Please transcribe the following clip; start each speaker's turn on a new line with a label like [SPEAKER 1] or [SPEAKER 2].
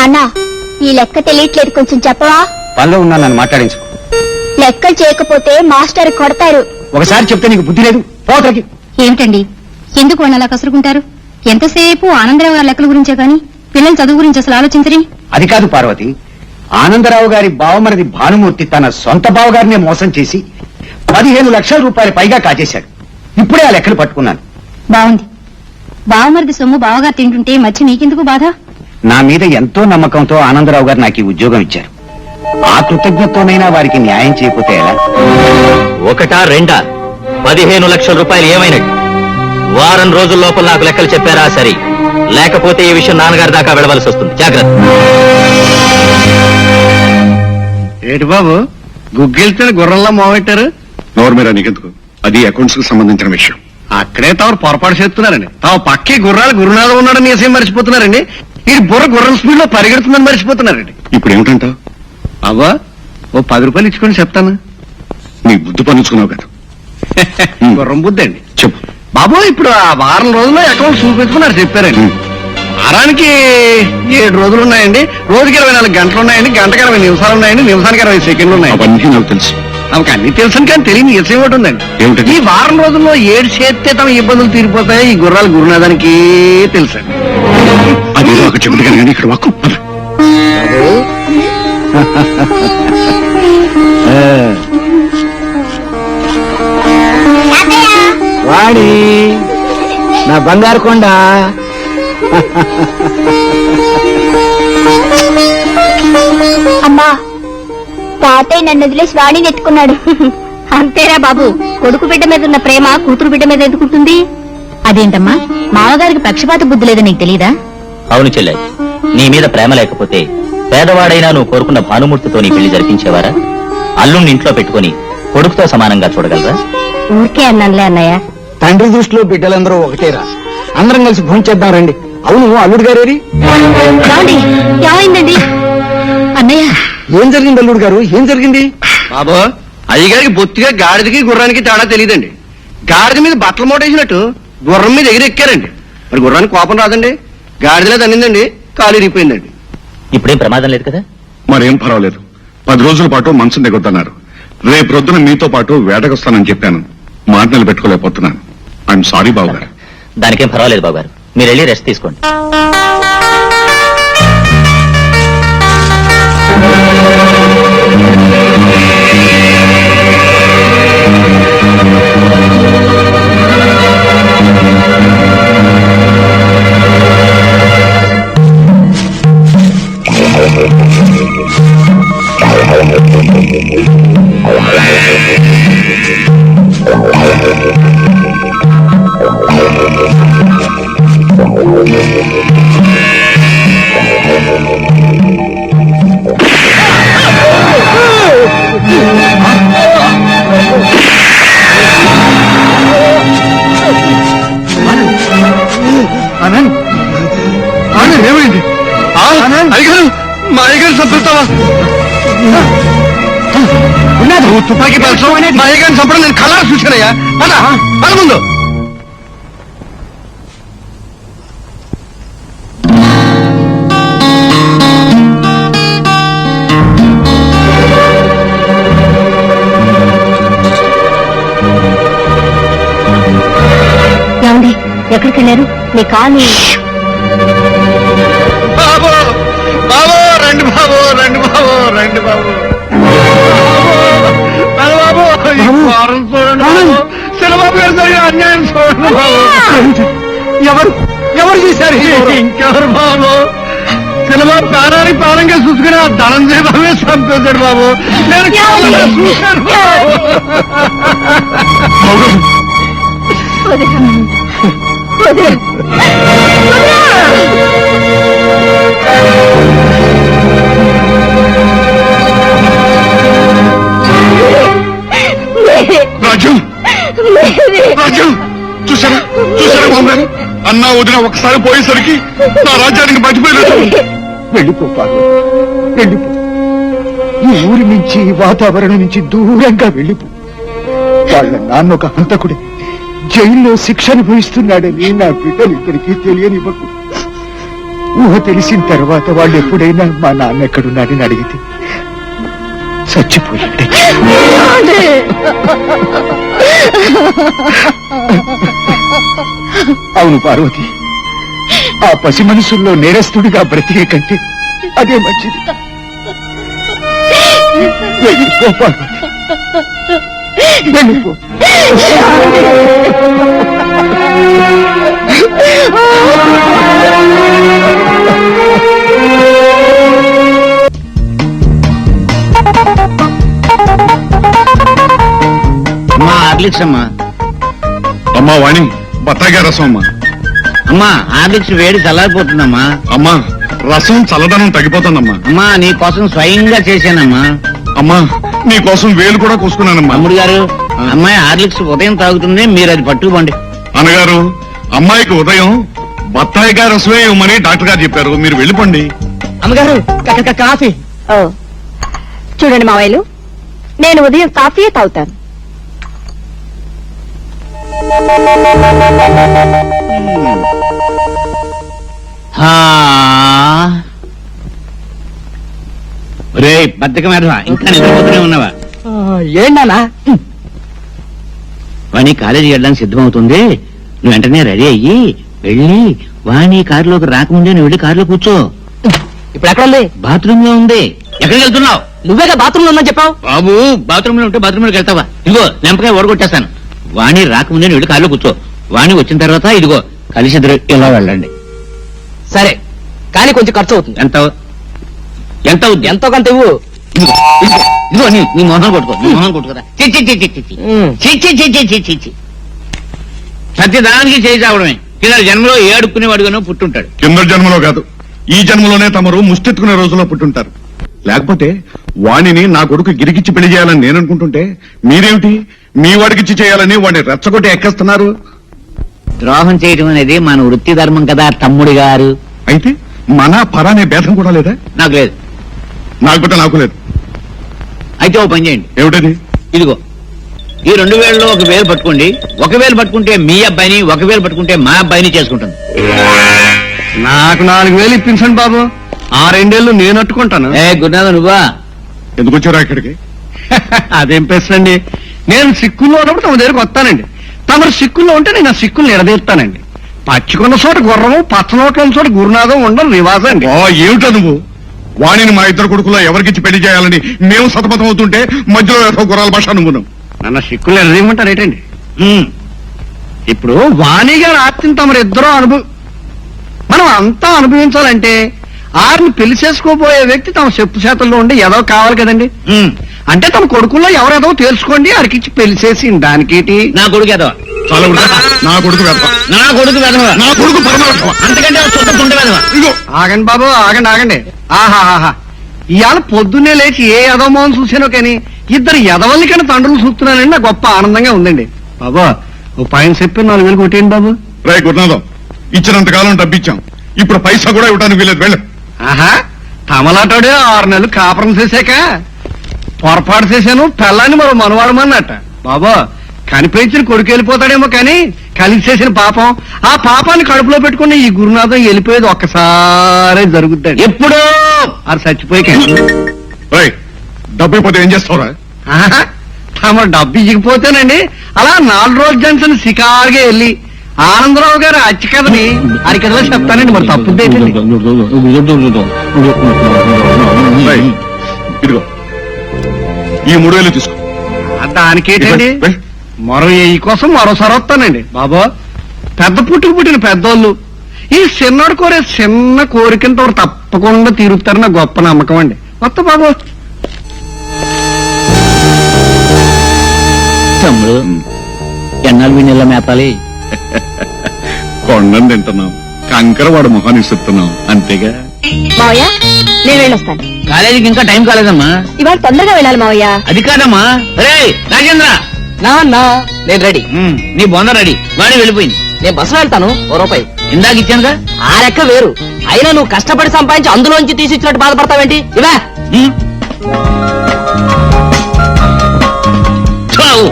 [SPEAKER 1] నాన్న, ఈ లెక్క తెలియట్లేదు, కొంచెం చెప్పవా?
[SPEAKER 2] పనిలో ఉన్నా నన్ను మాట్లాడించు.
[SPEAKER 1] లెక్కలు చేయకపోతే మాస్టర్ కొడతారు.
[SPEAKER 2] ఒకసారి చెప్తే నీకు బుద్ధి లేదు. పోతలకి.
[SPEAKER 3] ఏమిటండి, ఎందుకు వాళ్ళు అలా కసురుకుంటారు? ఎంతసేపు ఆనందరావు గారి లెక్కల గురించే గాని పిల్లల చదువు గురించి అసలు ఆలోచించరి.
[SPEAKER 2] అది కాదు పార్వతి, ఆనందరావు గారి బావమరిది భానుమూర్తి తన సొంత బావగారినే మోసం చేసి 15 లక్షల రూపాయలు పైగా కాజేశాడు. ఇప్పుడే ఆ లెక్కలు పట్టుకున్నాను.
[SPEAKER 3] బాగుంది. బావమరిది సొమ్ము బావగారు తింటుంటే మధ్య నీకెందుకు బాధ?
[SPEAKER 2] నా మీద ఎంతో నమ్మకంతో ఆనందరావు గారు నాకు ఈ ఉద్యోగం ఇచ్చారు. ఆ కృతజ్ఞతతోనైనా వారికి న్యాయం చేయకపోతే ఎలా?
[SPEAKER 4] ఒకటా రెండా 15 లక్షల రూపాయలు ఏమైనట్టు? వారం రోజుల లోపల నాకు లెక్కలు చెప్పారా సరే, లేకపోతే ఈ విషయం నాన్నగారి దాకా వెళ్ళవలసి వస్తుంది. జాగ్రత్త.
[SPEAKER 5] ఏటి బాబు, గుగ్గిల్తో గుర్రంలా మోగొట్టారు?
[SPEAKER 6] నోరు మీద నీకెందుకు? అది అకౌంట్స్ కు సంబంధించిన విషయం.
[SPEAKER 5] అక్కడే తాము పొరపాటు చేస్తున్నారండి. తాము పక్కే గుర్రాలు గురునాథం ఉన్నాడని ఏసేం మర్చిపోతున్నారండి. ఈ బుర్ర గుర్రం స్పీడ్ లో పరిగెడుతుందని మర్చిపోతున్నారండి.
[SPEAKER 6] ఇప్పుడు ఏమిటంటావు?
[SPEAKER 5] అవ్వా, ఓ 10 రూపాయలు ఇచ్చుకొని చెప్తాను.
[SPEAKER 6] నీ బుద్ధి పనుచుకున్నావు కదా.
[SPEAKER 5] గుర్రం బుద్ధి అండి.
[SPEAKER 6] చెప్పు
[SPEAKER 5] బాబు, ఇప్పుడు ఆ వారం రోజుల్లో అకౌంట్ చూపించుకున్నారు చెప్పారండి. వారానికి 7 రోజులు ఉన్నాయండి. రోజుకి 24 గంటలు ఉన్నాయండి. గంటకి 20 నిమిషాలు ఉన్నాయండి. నిమిషానికి 20 సెకండ్లు ఉన్నాయండి.
[SPEAKER 6] అవన్నీ నాకు తెలుసు.
[SPEAKER 5] ఆమెకు అన్ని తెలుసు కానీ తెలియని విషయం ఒకటి ఉందండి.
[SPEAKER 6] ఏమిటది?
[SPEAKER 5] ఈ వారం రోజుల్లో 7 చేస్తే తమ ఇబ్బందులు తీరిపోతాయి. ఈ గుర్రాలు గురునాథానికి తెలుసండి.
[SPEAKER 6] అదేదో అక్కడ చెబుతుంది కానీ ఇక్కడ వాక్కు పద.
[SPEAKER 2] వాడి నా బంగారు కొండ.
[SPEAKER 1] అమ్మా, తాతయ్య నన్ను వదిలేసి వాణిని ఎత్తుకున్నాడు.
[SPEAKER 3] అంతేరా బాబు, కొడుకు బిడ్డ మీద ఉన్న ప్రేమ కూతురు బిడ్డ మీద ఎందుకుంటుంది? అదేంటమ్మా, మామగారికి పక్షపాత బుద్ధి లేదని నీకు తెలీదా?
[SPEAKER 4] అవును చెల్లె, నీ మీద ప్రేమ లేకపోతే పేదవాడైనా నువ్వు కోరుకున్న భానుమూర్తితో నీ పెళ్లి జరిపించేవారా? అల్లుణ్ణి ఇంట్లో పెట్టుకుని కొడుకుతో సమానంగా చూడగలరా?
[SPEAKER 3] ఊరికే అన్నానులే అన్నయ్య.
[SPEAKER 2] తండ్రి దృష్టిలో బిడ్డలందరూ ఒకటేరా. అందరం కలిసి భోజనం చేద్దాం రండి. అవును, అల్లుడు గారేరి?
[SPEAKER 3] ఏమైందండి అన్నయ్య?
[SPEAKER 2] ఏం జరిగింది అల్లుడు గారు, ఏం జరిగింది?
[SPEAKER 5] బాబు, అయ్యగారికి బొత్తిగా గాడిదకి గుర్రానికి తేడా తెలియదండి. గాడిద మీద బట్టలు మోటేసినట్టు గుర్రం మీద ఎగిరెక్కారండి. మరి గుర్రానికి కోపం రాదండి. గాడిదలే తన్నిందండి, కాలు ఇరిగిపోయిందండి.
[SPEAKER 4] ఇప్పుడేం ప్రమాదం లేదు కదా?
[SPEAKER 6] మరేం పర్వాలేదు. 10 రోజుల పాటు మనసు దిగొద్దన్నారు. రేపు రొద్దున మీతో పాటు వేటకొస్తానని చెప్పాను. మాట నిలబెట్టుకోలేకపోతున్నాను. ఐఎమ్ సారీ బాబు గారు.
[SPEAKER 4] దానికేం పర్వాలేదు బాబు గారు, మీరు వెళ్ళి రెస్ట్ తీసుకోండి.
[SPEAKER 5] ఏమైంది? అయ్యగారు, మా అయ్యగారు చంపుతావా? తుపాకీ పేల్చడం, మా అయ్యగారిని చంపడం నేను కళ్ళారా చూశానయ్యా. పద పద ముందు.
[SPEAKER 3] ఏమండి, ఎక్కడికి వెళ్ళారు? మీ కాలు.
[SPEAKER 5] బాబు, బాబు, రండి బాబు, రండి బాబు, రండి బాబు. బాబు, ఈ వారం చూడండి బాబు. శిలబాబు గారు జరిగిన అన్యాయం చూడండి బాబు. ఎవరు చేశారు? ఇంకెవరు బాబు? శిలబాబు ప్రాణానికి ప్రాణంగా చూసుకుని ఆ ధనంజయ బాబే చంపేశాడు బాబు. నేను కేవలం చూశాను బాబు.
[SPEAKER 6] రాజు, రాజు, చూసారా చూసారా బాబు గారు? అన్నా వదిన ఒకసారి పోయేసరికి నా రాజ్యానికి బతిపోయలేదు.
[SPEAKER 2] వెళ్ళిపో పార్వతి, వెళ్ళిపో. ఈ ఊరి నుంచి, వాతావరణం నుంచి దూరంగా వెళ్ళిపో. వాళ్ళ నాన్న ఒక హంతకుడే, జైల్లో శిక్ష అనుభవిస్తున్నాడని నా బిడ్డలు ఇద్దరికి తెలియనివ్వకు. ఊహ తెలిసిన తర్వాత వాళ్ళు ఎప్పుడైనా మా నాన్న ఎక్కడున్నాడని అడిగితే చచ్చిపోయాడు. అవును పార్వతి, ఆ పసి మనసుల్లో నేరస్తుడిగా బ్రతికే కంటే అదే మంచిది. వెళ్ళిపో పార్వతి, వెళ్ళిపో. అమ్మా హార్లిక్స్ అమ్మా.
[SPEAKER 6] అమ్మా వాణి, బత్తాయికాయ రసం అమ్మా.
[SPEAKER 2] అమ్మా హార్లిక్స్ వేడి చల్లారిపోతుందమ్మా.
[SPEAKER 6] అమ్మా రసం చల్లదనం తగ్గిపోతుందమ్మా.
[SPEAKER 2] అమ్మా నీ కోసం స్వయంగా చేశానమ్మా.
[SPEAKER 6] అమ్మా నీ కోసం వేలు కూడా కూసుకున్నానమ్మా.
[SPEAKER 2] తమ్ముడు గారు, అమ్మాయి హార్లిక్స్ ఉదయం తాగుతుంది, మీరు అది పట్టుకోండి.
[SPEAKER 6] అన్నగారు, అమ్మాయికి ఉదయం బత్తాయికాయ రసమే ఇవ్వమని డాక్టర్ గారు చెప్పారు, మీరు వెళ్ళిపోండి.
[SPEAKER 3] అమ్మగారు కాఫీ. చూడండి మావయ్యలు, నేను ఉదయం కాఫీయే తాగుతాను.
[SPEAKER 2] రే బద్దకం ఎదవా, ఇంకా నిద్రపోతూనే ఉన్నావా?
[SPEAKER 3] ఏంటన్నా?
[SPEAKER 2] వాణి కాలేజీ వెళ్ళడానికి సిద్ధమవుతుంది, నువ్వు వెంటనే రెడీ అయ్యి వెళ్ళి వాణి కారులోకి రాకముందే నువ్వు వెళ్ళి కారులో కూర్చో.
[SPEAKER 3] ఇప్పుడు ఎక్కడ ఉంది?
[SPEAKER 2] బాత్రూమ్ లో ఉంది. ఎక్కడికి వెళ్తున్నావు?
[SPEAKER 3] నువ్వేగా బాత్రూమ్ లో ఉందని చెప్పావు.
[SPEAKER 2] బాబు బాత్రూమ్ లో ఉంటే బాత్రూమ్ లోకి వెళ్తావా? ఇదిగో లెంపకాయ ఓడగొట్టేస్తాను. వాణి రాకముందే నువ్వు వెళ్ళి కారులో కూర్చో. వాణి వచ్చిన తర్వాత ఇదిగో కలిసి ఇద్దరు ఇలా వెళ్ళండి.
[SPEAKER 3] సరే, కానీ కొంచెం ఖర్చు అవుతుంది.
[SPEAKER 2] ఎంత ఎంత అవుద్ది?
[SPEAKER 3] ఎంతో కొంత ఇవ్వు.
[SPEAKER 2] ఇదిగో, ఇదిగో, ఇదిగో నీ మొహం కొట్టుకో, నీ మొహం కొట్టుకోదా. సత్యదానికి చేయి చావడమే. కింద జన్మలో ఏ అడుక్కునేవాడుగానో పుట్టుంటాడు.
[SPEAKER 6] కింద జన్మలో కాదు, ఈ జన్మలోనే తమరు ముష్టెత్తుకునే రోజుల్లో పుట్టుంటారు. లేకపోతే వాణిని నా కొడుకు గిరికిచ్చి పెళ్లి చేయాలని నేను అనుకుంటుంటే మీరేమిటి మీ వాడికిచ్చి చేయాలని వాడిని రెచ్చగొట్టి ఎక్కేస్తున్నారు.
[SPEAKER 2] ద్రోహం చేయడం అనేది మన వృత్తి ధర్మం కదా తమ్ముడి గారు.
[SPEAKER 6] అయితే మన పరానే భేదం కూడా లేదా?
[SPEAKER 2] నాకు లేదు.
[SPEAKER 6] నాకు లేదు.
[SPEAKER 2] అయితే ఓ పని చేయండి.
[SPEAKER 6] ఏమిటది?
[SPEAKER 2] ఇదిగో ఈ 2000లో 1000 పట్టుకోండి. 1000 పట్టుకుంటే మీ అబ్బాయిని, 1000 పట్టుకుంటే మా అబ్బాయిని చేసుకుంటాను.
[SPEAKER 5] నాకు 4000 ఇప్పించండి బాబు, ఆ 2 ఏళ్ళు నేను అట్టుకుంటాను.
[SPEAKER 2] ఏ గురునాథ నువ్వా?
[SPEAKER 6] ఎందుకు వచ్చారా ఇక్కడికి?
[SPEAKER 5] అదేం ప్రశ్నండి, నేను సిక్కుల్లో ఉన్నప్పుడు తమ దగ్గరకు వస్తానండి. తమరు సిక్కుల్లో ఉంటే నేను ఆ సిక్కుల్ని ఎడదీస్తానండి. పచ్చికొన్న చోట గుర్రము, పచ్చ నోట్ల చోట గురునాథం ఉండడం రివాజం అండి.
[SPEAKER 6] ఏమిటా నువ్వు? వాణిని మా ఇద్దరు కొడుకులో ఎవరికిచ్చి పెళ్లి చేయాలని మేము సతమతం అవుతుంటే మధ్యలో ఏదో గుర్రాల భాష నువ్వు
[SPEAKER 5] నన్ను సిక్కులు ఎడదీయమంటారు ఏంటండి? ఇప్పుడు వాణి గారు ఆస్తిని తమరు ఇద్దరూ మనం అంతా అనుభవించాలంటే ఆరిని పెళ్లి చేసుకోబోయే వ్యక్తి తమ చెప్పు చేతుల్లో ఉండి ఏదో కావాలి కదండి. అంటే తమ కొడుకుల్లో ఎవరేదో తెలుసుకోండి, ఆడికిచ్చి పెళ్లి చేసి దానికేటి.
[SPEAKER 2] నా కొడుకు ఎదవా?
[SPEAKER 6] చాలా నా కొడుకు వెధవ.
[SPEAKER 2] నా కొడుకు వెదవా?
[SPEAKER 6] నా కొడుకు పరమ
[SPEAKER 2] అంతకంటే చుట్టకుంటే వెదవా?
[SPEAKER 6] ఇదిగో
[SPEAKER 5] ఆగండి బాబు, ఆగండి. ఆహాహా, ఇవాళ పొద్దున్నే లేచి ఏ యదవమోహన్ చూసానో కానీ ఇద్దరు యదవల్ని కన్నా తండ్రులు చూస్తున్నానండి. నాకు గొప్ప ఆనందంగా ఉందండి. బాబా ఓ పైన చెప్పి 4000 కొట్టేయండి బాబు.
[SPEAKER 6] రే గురునాథం, ఇచ్చినంతకాలం డబ్బిచ్చాం, ఇప్పుడు పైసా కూడా ఇవ్వడానికి వీలేదు. వెళ్ళు.
[SPEAKER 5] ఆహా, తమలాటాడే 6 నెలలు కాపురం చేశాక పొరపాటు చేశాను, పెళ్ళాన్ని మరో మనవాడమన్నట్ట. బాబా కనిపించిన కొడుకు వెళ్ళిపోతాడేమో కానీ కలిసి చేసిన పాపం, ఆ పాపాన్ని కడుపులో పెట్టుకుని ఈ గురునాథం వెళ్ళిపోయేది ఒక్కసారే జరుగుద్దండి.
[SPEAKER 2] ఎప్పుడో
[SPEAKER 5] అది చచ్చిపోయి
[SPEAKER 6] డబ్బు ఇవ్వకపోతే ఏం చేస్తావురా?
[SPEAKER 5] తమ డబ్బు ఇవ్వకపోతేనండి అలా 4 రోజుల జంక్షన్ షికారుగా వెళ్ళి ఆనందరావు గారు అచ్చి కథని అరికథలో చెప్తానండి. మరి తప్పుద్దేంటండి?
[SPEAKER 6] ఇదిగో ఈ 3000 తీసుకో.
[SPEAKER 5] దానికేంటండి, మరో ఈ కోసం మరోసారి వస్తానండి. బాబా పెద్ద పుట్టిన పెద్దోళ్ళు ఈ చిన్నోడు కోరే చిన్న కోరికంతో తప్పకుండా తీరుతారని నా గొప్ప నమ్మకం అండి. వస్తా బాబు.
[SPEAKER 2] తమ్ముడు ఎన్నాళ్ళు మీ నెల మేపాలి?
[SPEAKER 6] కొండను తింటున్నాం, కంకర వాడు మొహాన్ని ఇస్తున్నాం అంతేగా.
[SPEAKER 3] మావయ్య నేను వెళ్ళొస్తాను.
[SPEAKER 2] కాలేజీకి ఇంకా టైం కాలేదమ్మా.
[SPEAKER 3] ఇవాళ తొందరగా వెళ్ళాలి మావయ్య.
[SPEAKER 2] అది కాదమ్మా. రే రాజేంద్ర,
[SPEAKER 3] నేను రెడీ.
[SPEAKER 2] నీ బొంద రెడీ. వాడి వెళ్ళిపోయింది.
[SPEAKER 3] నేను బస్సులో వెళ్తాను. ₹1
[SPEAKER 2] ఇందాక ఇచ్చానుగా.
[SPEAKER 3] ఆ లెక్క వేరు. అయినా నువ్వు కష్టపడి సంపాదించి అందులోంచి తీసిచ్చినట్టు బాధపడతావేంటి? ఇవా